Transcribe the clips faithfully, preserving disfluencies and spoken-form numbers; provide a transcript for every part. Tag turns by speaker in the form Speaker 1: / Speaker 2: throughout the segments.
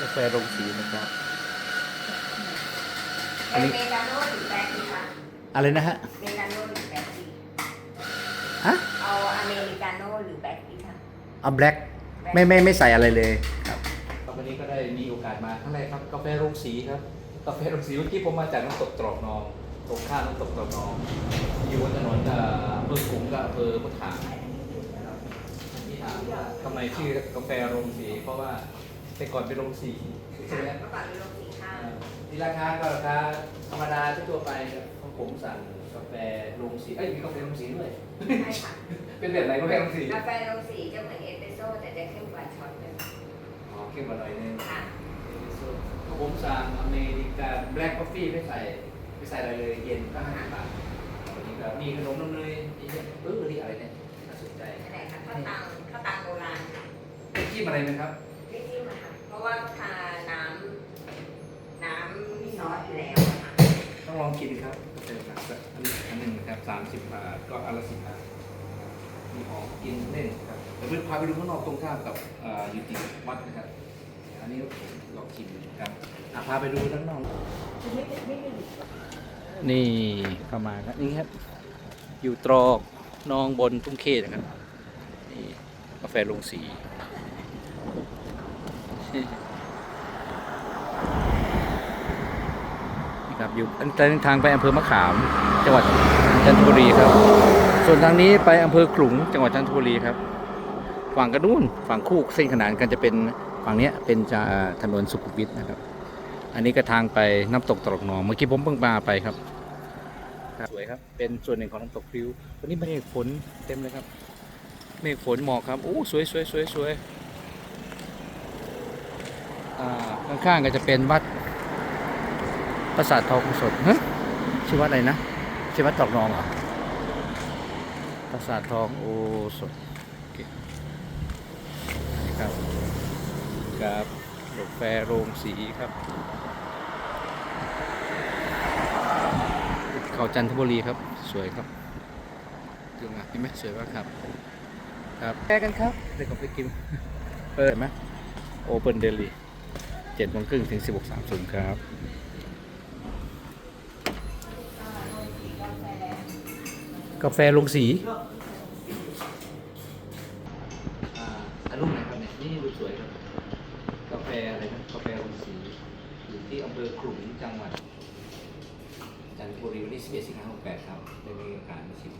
Speaker 1: กาแฟโรงสีนะครับอั
Speaker 2: อั
Speaker 1: น
Speaker 2: น
Speaker 1: นี้
Speaker 2: นี้เมกาโน่หรือแบล็คดีคะ
Speaker 1: อะไรนะฮะ
Speaker 2: เมกาโน่หรือแบล็คดี
Speaker 1: ฮะ
Speaker 2: เอาอเมริกาโน่หรือแบล็คดีคะ
Speaker 1: เอาแบล็กไม่ไม่ไม่ใส่อะไรเลยครับวันนี้ก็ได้มีโอกาสมาครั้งแรกครับกาแฟโรงสีครับกาแฟโรงสีเมื่อกี้ผมมาจากน้ำตกตรอกนองตรงข้ามน้ำตกตรอกนองอยู่บนถนนเอ่ออำเภอขุงกับอำเภอพุทธานะครับที่ถามว่าทำไมชื่อกาแฟโรงสีเพราะว่าแต่ก่อนเป็นโรงสีใช่ไหม
Speaker 2: เมื่อก่อนเป็นโรงสีข้าว
Speaker 1: ที่ราคาก็ราคาธรรมดาทั่วไปครับของผมสั่งกาแฟโรงสีเอ้ยมีกาแฟโรงสีด้วย
Speaker 2: ใช่ค่ะ
Speaker 1: เป็นแบบไหนกาแฟโรงสี
Speaker 2: กาแฟโรงสีจะเหมือนเอสเปรสโซ่แต่จะเข้มกว่าช็อตเลย
Speaker 1: อ๋อเข้มกว่าหน่อยนึง
Speaker 2: ค่ะ
Speaker 1: ของผมสั่งอเมริกาแบล็กกาแฟไม่ใส่ไม่ใส่อะไรเลยเย็นก็ห้าสิบบาทวันนี้ก็มีขนมนมเนยอีกเยอะเออนี่อะไรเนี่ยน่าสนใจ
Speaker 2: อันไหนคะข้าวตังข้าวตังโบราณ
Speaker 1: เป็นจิ้มอะไรนะครับ
Speaker 2: ไม่จิ้มอะค่ะเพราะว่าทาน้ำน้ำมีซอสอยู่แล้วอะค่ะ
Speaker 1: ต้องลองกินครับกาแฟหนักสักอันนี้อันหนึ่งนะครับสามสิบบาทก็อันละสิบบาทมีของกินเล่นครับเดี๋ยวพาไปดูข้างนอกตรงข้ามกับเอ่ออยู่ติดวัดนะครับอันนี้ลองชิมครับอ่ะพาไปดูด้านนอก
Speaker 2: ไม่ไม่ไม่
Speaker 1: นี่เข้ามาครับนี่ครับอยู่ตรอกนองบนทุ่งเขตนะครับนี่กาแฟลงสีนี่ครับอยู่ทางไปอำเภอมะขามจังหวัดจันทบุรีครับส่วนทางนี้ไปอำเภอขลุงจังหวัดจันทบุรีครับฝั่งกระนู้นฝั่งคู่เส้นขนานกันจะเป็นฝั่งนี้เป็นจะถนนสุขุมวิทนะครับอันนี้ก็ทางไปน้ำตกตรอกนองเมื่อกี้ผมเพิ่งมาไปครับสวยครับเป็นส่วนหนึ่งของน้ำตกพริ้ววันนี้เมฆฝนเต็มเลยครับเมฆฝนหมอกครับโอ้สวยสวยสวยสวยข้างๆก็จะเป็นวัดปราสาททองสดฮะชื่อวัดอะไรนะชื่อวัดตรอกนองเหรอปราสาททองโอสดครับครับกาแฟโรงสีครับเขาจันทบุรีครับสวยครับดูมาเห็นไหมสวยมากครับครับแก้กันครับเดี๋ยวก็ไปกินเปิดไหมโอเปิลเดลี่เจ็ดโมงครึ่งถึงสิบหกสามศูนย์ครับกาแฟลงสีอ่ารูปไหนครับเนี่ยนี่รูปสวยครับกาแฟอะไรนะกาแฟลงสีอยู่ที่อำเภอขลุงจังหวัดจันทบุรีวันที่สิบเอ็ดสิงหาคมหกแปดครับได้มีโอกาสมาชิม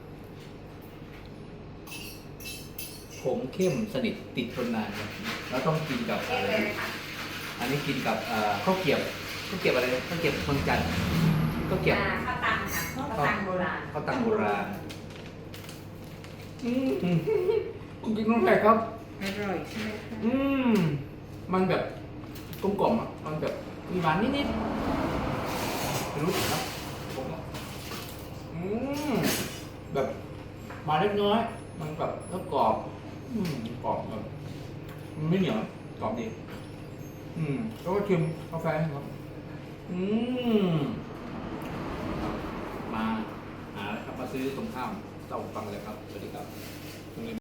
Speaker 1: ผมเข้มสนิทติดทนนานครับแล้วต้องกินกับ
Speaker 2: เอ๊ะ
Speaker 1: อะไร
Speaker 2: เลยค่ะ
Speaker 1: อันนี้กินกับข้าวเกรี๊ยวข้าวเกรี๊ยวอะไรข้าวเกรี๊ยวเมืองจันทร์ข้าวเกรี๊ยว
Speaker 2: อ่าข้าวตังค่ะข้าวตังโบราณ
Speaker 1: ข้าวตังโบราณอืมคุณกินน้ำแข็งครับ
Speaker 2: อร่อยใช่ไหมคะ
Speaker 1: อืมมันแบบกลมกล่อมอ่ะมันแบบมีหวานนิดๆไม่รู้สึกครับผมอ่ะอืมแบบหวานเล็กน้อยมันแบบก็กรอบอืมกรอบแบบมันไม่เหนียวกรอบดีอืมแล้วก็ชิมกาแฟครับอืมมาหาครับมาซื้อตรงข้ามเจ้าฟังเลยครับสวัสดีครับ